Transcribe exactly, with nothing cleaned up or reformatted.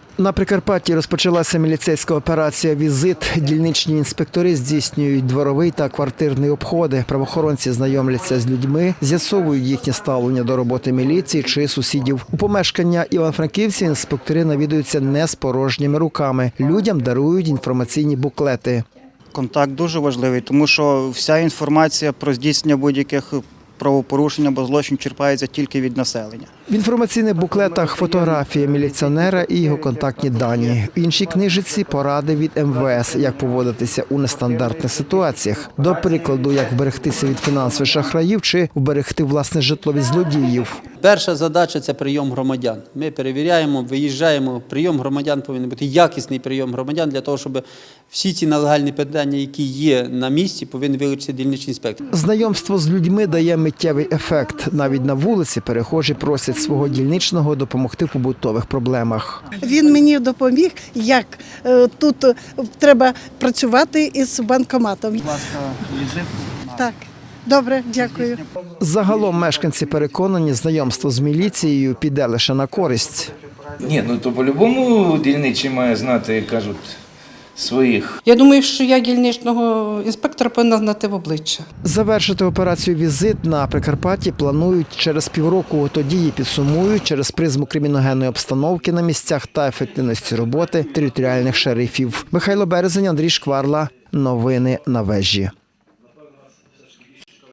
На Прикарпатті розпочалася міліцейська операція «Візит». Дільничні інспектори здійснюють дворовий та квартирний обходи. Правоохоронці знайомляться з людьми, з'ясовують їхнє ставлення до роботи міліції чи сусідів. У помешкання івано-франківців інспектори навідуються не з порожніми руками. Людям дарують інформаційні буклети. Контакт дуже важливий, тому що вся інформація про здійснення будь-яких правопорушень або злочин черпається тільки від населення. В інформаційних буклетах фотографія міліціонера і його контактні дані. В іншій книжиці поради від ем ве ес, як поводитися у нестандартних ситуаціях. До прикладу, як вберегтися від фінансових шахраїв чи вберегти власне житло від злодіїв. Перша задача – це прийом громадян. Ми перевіряємо, виїжджаємо. Прийом громадян повинен бути якісний прийом громадян для того, щоб всі ці нелегальні питання, які є на місці, повинен вилучити дільничний інспектор. Знайомство з людьми дає миттєвий ефект. Навіть на вулиці перехожі просять свого дільничного допомогти в побутових проблемах. Він мені допоміг, як тут треба працювати із банкоматом. Будь ласка, візитку. Так, добре, дякую. Загалом мешканці переконані, знайомство з міліцією піде лише на користь. Ні, ну то по-любому дільничий має знати, як кажуть, своїх. Я думаю, що я дільничного інспектора повинна знати в обличчя. Завершити операцію «Візит» на Прикарпатті планують через півроку. Тоді її підсумують через призму криміногенної обстановки на місцях та ефективності роботи територіальних шерифів. Михайло Березень, Андрій Шкварла. Новини на вежі.